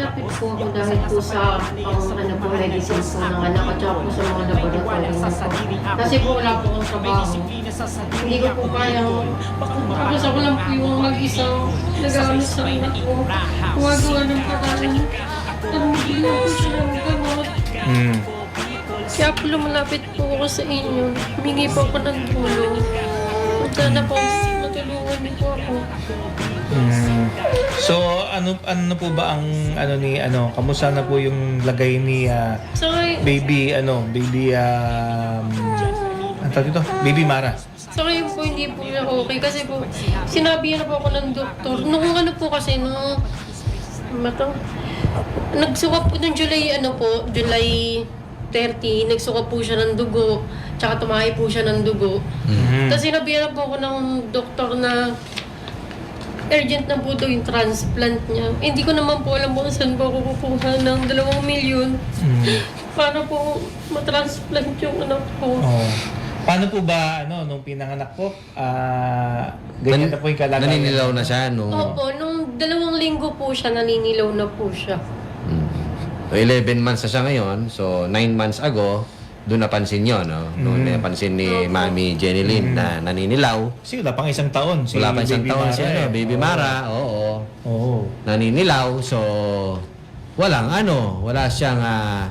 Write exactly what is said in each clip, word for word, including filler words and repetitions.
lumapit po ako dahil po sa pang ano po, medicine po ng anak at saka po sa mga laboratory niyo po. Kasi po wala po akong trabaho. Hindi ko po kayang, tapos ako lang po yung mag-isang nagamit sa anak ko. Gumagawa ng paraan. Tumigil po siya ng gamot. Hmm. Kaya po lumalapit po ako sa inyo. Humingi po ako ng tulong. At sana po matulungan niyo po ako. Hmm. So ano ano po ba ang ano ni ano kamusta na po yung lagay ni ah, So, baby ano baby um ano tawag dito? Baby Mara. so ngayon po hindi po siya okay kasi po sinabi na po ako ng doktor. Nung ano po kasi nung ano to? Nagsuka po ng July ano po, July thirty, nagsuka po siya ng dugo, tsaka tumahi po siya ng dugo. Mhm. Tapos sinabi na po ako ng doktor na urgent na po daw yung transplant niya. Eh, hindi ko naman po alam kung saan po ako kukuha ng dalawang milyon Mhm. para po matransplant yung anak ko. Oh. Paano po ba ano nung pinanganak po? Ah, ganyan Nan- na po yung kalagayan. Naninilaw na siya, no? Opo, nung dalawang linggo po siya, naninilaw na po siya. Mm. So, eleven months na siya ngayon. So, nine months ago, doon napansin nyo, no? Doon Mm. napansin ni Opo. Mami Jenny Lynn Mm. na naninilaw. Kasi wala pang isang taon. Si Wala pa isang Baby taon Mara si ano, eh. Baby Oo. Mara. Oo. Oo. Naninilaw. So, walang ano, wala siyang, ah,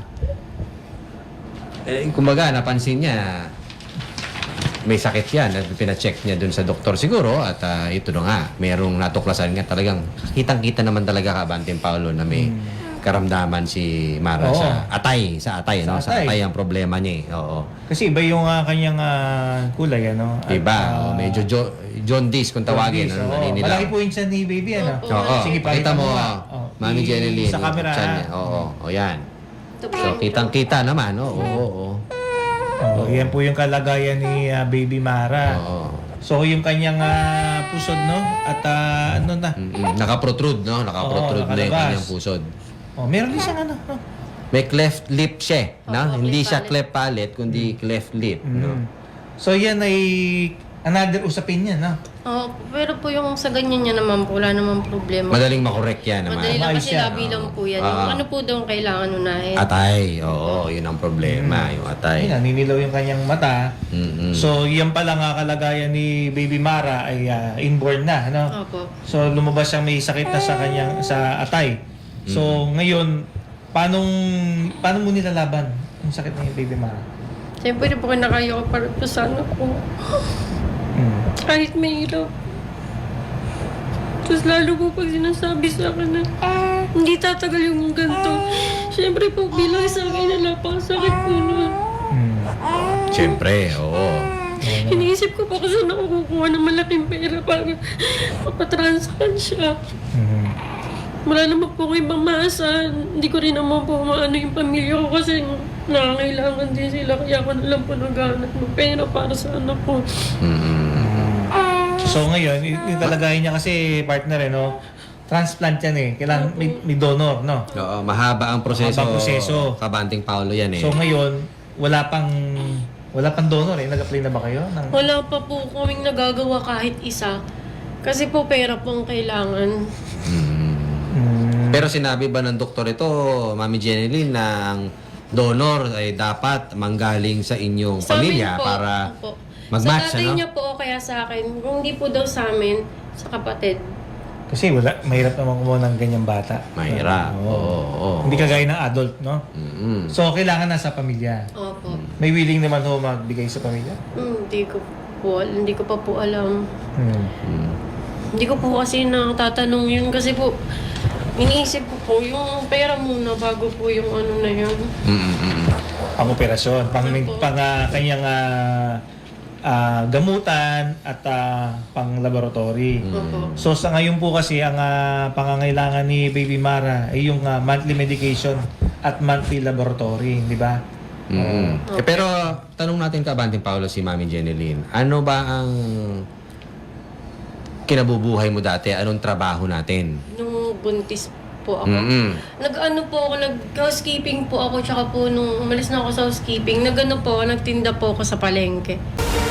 eh, kumbaga, napansin niya, may sakit yan at pina-check niya dun sa doktor siguro at ah, ito na nga, merong natuklasan nga talagang kitang-kita naman talaga ka Banting Paulo na may karamdaman si Mara Oo. sa atay, sa atay, Sa no? Sa atay. atay ang problema niya. eh. Oo. Kasi iba yung ah, kanyang ah, kulay ano. At, Iba, ah, oh, medyo jo- jaundice kung tawagin, jaundice, ano, oo. naninilaw. Malaki po yung tiyan ni baby ano. Opo. Oo. Sige, Pakita mo, nga. oh, Oh, Mami i- Jenny Lynn. Sa camera. yung tiyan niya. ah. Oo, o yan. Ito po So, yung- kitang-kita naman, oo, oo, oo. Oh, yan po yung kalagayan ni ah, Baby Mara. Oo. So yung kanyang ah, pusod no at ah, ano na. Mm-mm. Nakaprotrude, no? Nakaprotrude Oo, na yung nakalabas. kanyang pusod. Oh, meron din siyang ano. no? May cleft lip siya, no? Opo, Hindi cleft siya palate. cleft palate, kundi cleft lip, no? Mm. So yan ay another usapin niya, no? Oo, pero po yung sa ganyan niya naman po, wala namang problema. Madaling makorek yan naman. Madali lang Maayos kasi yan. labi lang po yan. Ah. Yung ano po daw ang kailangan unahin. Atay, oo, yun ang problema, yung Ay, atay. naninilaw yung kanyang mata. Mm-mm. So yan pala nga kalagayan ni Baby Mara ay ah, inborn na, no? Opo. So lumabas siyang may sakit na sa kanyang sa atay. So ngayon, paano paano mo nilalaban yung sakit ng Baby Mara? Siyempre po kinakaya ko para po sa anak ko. Mm. Kahit may hirap. Tapos lalo po pag sinasabi sa akin na hindi tatagal yung ganito. Siyempre po bilang isang ina, napakasakit po nun. Mm. Siyempre, oo. Iniisip ko pa kung saan ako kukuha ng malaking pera para mapatransplant siya. Mm. Wala naman po akong ibang maasa. Hindi ko rin naman po maano yung pamilya ko kasi nangangailangan din sila. Kaya ako na lang po naghahanap ng pera para sa anak ko. Mm-mm. So ngayon, y- yung kalagayan niya kasi partner eh, no? Transplant yan eh. Kailangan may, may donor, no? Oo, mahaba ang proseso. Mahaba ang proseso. Kabanting Paulo yan eh. So ngayon, wala pang wala pang donor eh. Nag-apply na ba kayo? Ng... Wala pa po kaming nagagawa kahit isa. Kasi po pera po ang kailangan. Mm. Mm. Pero sinabi ba ng doktor ito, Mami Jenny Lynn, na ang donor ay dapat manggaling sa inyong Sa pamilya amin po, para opo. mag-match, Sa tatay ano? niya po o kaya sa akin. Kung hindi po daw sa amin, sa kapatid. Kasi wala, mahirap naman kumuha ng ganyang bata. Mahirap. Oo. Oo, oo. Hindi kagaya ng adult, no? Mm-mm. So kailangan nasa pamilya. Opo. May willing naman ho magbigay sa pamilya? Hmm, hindi ko po, hindi ko pa po alam. Hmm. Mm. Hindi ko po kasi natatanong yun kasi po, iniisip ko po yung pera muna bago po yung ano na yun. Mm-mm. Pang operasyon, pang, Opo. pang ah, kanyang ah, ah, gamutan at ah, pang laboratory. Opo. So sa ngayon po kasi ang ah, pangangailangan ni Baby Mara ay yung ah, monthly medication at monthly laboratory, di ba? Mm-mm. Eh, pero tanong natin ka Banting Paulo si Mami Jenny Lynn, ano ba ang kinabubuhay mo dati? Anong trabaho natin? Nung buntis po ako. Mm-mm. Nag-ano po ako, nag-housekeeping po ako, tsaka po nung umalis na ako sa housekeeping, nag-ano po ako, nagtinda po ako sa palengke.